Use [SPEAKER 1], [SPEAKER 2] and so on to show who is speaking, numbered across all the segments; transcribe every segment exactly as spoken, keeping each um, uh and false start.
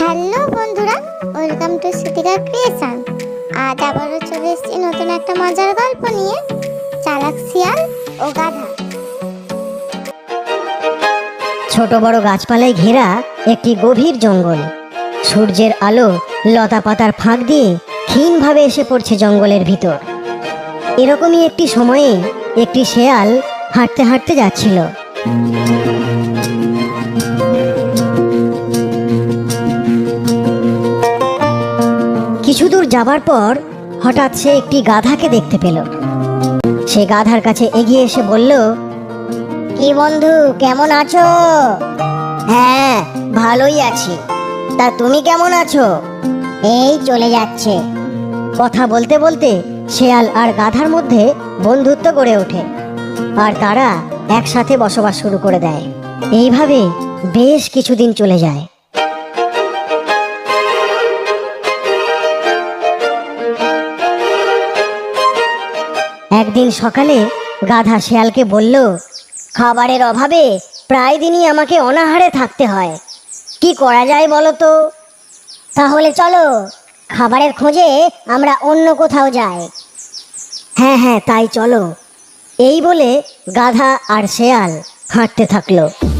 [SPEAKER 1] Hello বন্ধুরা, welcome to শ্রুতিকা creation. আজ আবারও চলে এসেছি নতুন একটা মজার গল্প নিয়ে, চালাক শিয়াল ও গাধা।
[SPEAKER 2] ছোট বড় গাছপালায় ঘেরা একটি গভীর জঙ্গল। সূর্যের আলো লতা পাতার ফাঁক দিয়ে ক্ষীণভাবে এসে পড়ছে জঙ্গলের ভিতর। এরকমই একটি সময়ে একটি শেয়াল হাঁটতে হাঁটতে যাচ্ছিল। কিছু দূর যাবার পর হঠাৎ সে একটি গাধাকে দেখতে পেল। সে গাধার কাছে এগিয়ে এসে বলল, কি বন্ধু, কেমন আছো? হ্যাঁ, ভালোই আছি। তা তুমি কেমন আছো? এই চলে যাচ্ছে। কথা বলতে বলতে শেয়াল আর গাধার মধ্যে বন্ধুত্ব গড়ে ওঠে, আর তারা একসাথে বসবাস শুরু করে দেয়। এইভাবে বেশ কিছুদিন চলে যায়। একদিন সকালে গাধা শেয়ালকে বলল, খাবারের অভাবে প্রায় দিনই আমাকে অনাহারে থাকতে হয়। কি করা যায় বলো তো? তাহলে চলো, খাবারের খোঁজে আমরা অন্য কোথাও যাই। হ্যাঁ হ্যাঁ, তাই চলো। এই বলে গাধা আর শেয়াল হাঁটতে থাকলো।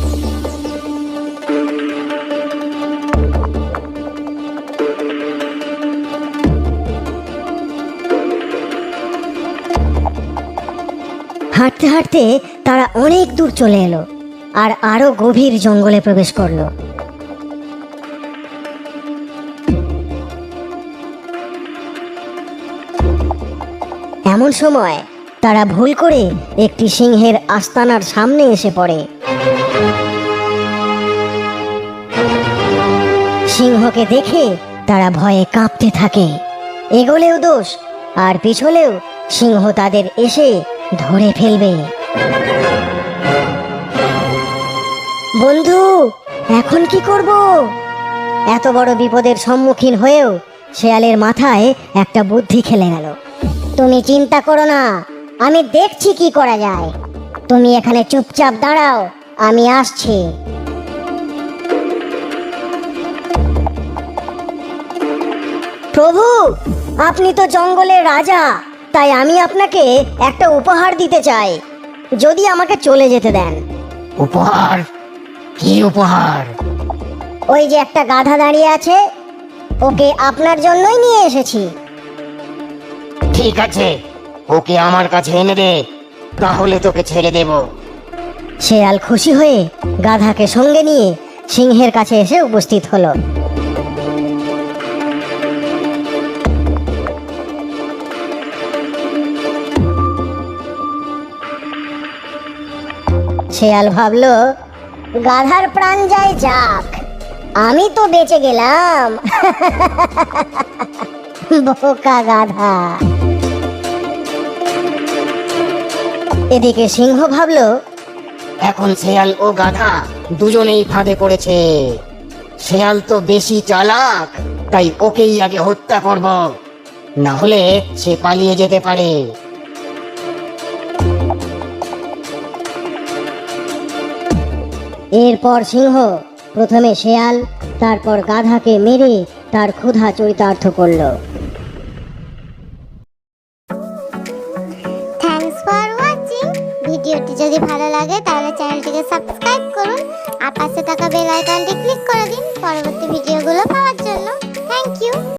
[SPEAKER 2] হাঁটতে হাঁটতে তারা অনেক দূর চলে এলো আর আরো গভীর জঙ্গলে প্রবেশ করলো। এমন সময় তারা ভুল করে একটি সিংহের আস্তানার সামনে এসে পড়ে। সিংহকে দেখে তারা ভয়ে কাঁপতে থাকে। এগোলেও দোষ, আর পিছলেও সিংহ তাদের এসে ধরে ফেলবে। বন্ধু, এখন কি করব? এত বড় বিপদের সম্মুখীন হয়েও শেয়ালের মাথায় একটা বুদ্ধি খেলে গেল। তুমি চিন্তা করো না, আমি দেখছি কি করা যায়। তুমি এখানে চুপচাপ দাঁড়াও, আমি আসছি। প্রভু, আপনি তো জঙ্গলের রাজা, তাই আমি আপনাকে একটা উপহার দিতে চাই, যদি আমাকে চলে যেতে দেন।
[SPEAKER 3] উপহার? কি উপহার?
[SPEAKER 2] ওই যে একটা গাধা দাঁড়িয়ে আছে, ওকে আপনার জন্যই নিয়ে এসেছি।
[SPEAKER 3] ঠিক আছে, ওকে আমার কাছে এনে দে, তাহলে তোকে ছেড়ে দেব।
[SPEAKER 2] শেয়াল খুশি হয়ে গাধাকে সঙ্গে নিয়ে সিংহের কাছে এসে উপস্থিত হলো। শেয়াল ভাবলো, গাধার প্রাণ যায় যাক, আমি তো বেঁচে গেলাম। বোকা গাধা। এদিকে সিংহ ভাবলো,
[SPEAKER 3] এখন শেয়াল ও গাধা দুজনেই ফাঁদে পড়েছে। শেয়াল তো বেশি চালাক, তাই ওকেই আগে হত্যা করব, না হলে সে পালিয়ে যেতে পারে।
[SPEAKER 2] এরপর সিংহ প্রথমে শেয়াল, তারপর গাধাকে মেরে তার ক্ষুধা চরিতার্থ করল।
[SPEAKER 1] Thanks for watching. ভিডিওটি যদি ভালো লাগে তাহলে চ্যানেলটিকে সাবস্ক্রাইব করুন আর পাশে থাকা বেল আইকনটি ক্লিক করে দিন পরবর্তী ভিডিওগুলো